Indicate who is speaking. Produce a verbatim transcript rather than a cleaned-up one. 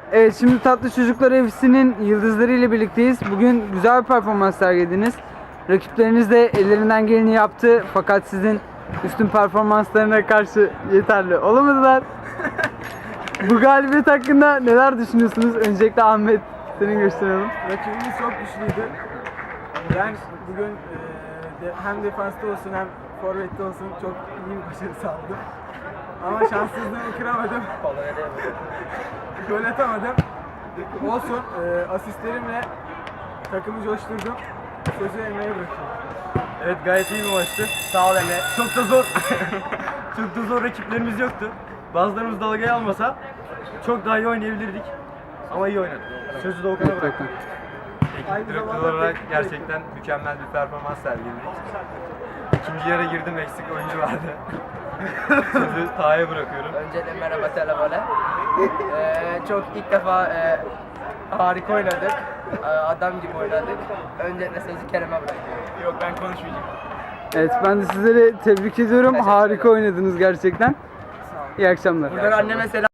Speaker 1: Evet, şimdi Tatlı Çocuklar F C'nin yıldızları ile birlikteyiz. Bugün güzel bir performans sergilediniz. Rakipleriniz de ellerinden geleni yaptı fakat sizin üstün performanslarına karşı yeterli olamadılar. Bu galibiyet hakkında neler düşünüyorsunuz? Öncelikle Ahmet, senin gösterelim.
Speaker 2: Rakibimiz çok güçlüydü. Ben bugün e, de, hem defansta olsun hem forvette olsun çok iyi bir başarı sağladım. Ama şanssızlığımı kıramadım. Gol atamadım. Olsun, e, asistlerimle takımı coşturdum. Sözü Emre'ye bırakıyorum.
Speaker 3: Evet, gayet iyi bir maçtı. Sağ ol Emre. Çok da zor. Çok da zor rakiplerimiz yoktu. Bazılarımız dalgayı almasa çok daha iyi oynayabilirdik. Ama iyi oynadık. Sözü de Okan'a bıraktım.
Speaker 2: Aynı
Speaker 4: Ekip direktör
Speaker 2: zamanda
Speaker 4: olarak
Speaker 2: teknik
Speaker 4: gerçekten mükemmel bir performans sergiledik. İkinci yere girdim, eksik oyuncu vardı. Sözü Taha'ya bırakıyorum.
Speaker 5: Öncelikle merhaba telefona. Ee, çok ilk defa e, harika oynadık. Ee, adam gibi oynadık. Öncelikle sözü Kerem'e bırakıyorum.
Speaker 3: Yok, ben konuşmayacağım.
Speaker 1: Evet, ben de sizleri tebrik ediyorum.
Speaker 5: Teşekkür
Speaker 1: Harika
Speaker 5: ederim.
Speaker 1: oynadınız gerçekten. İyi akşamlar.
Speaker 5: Buradan anneme selam.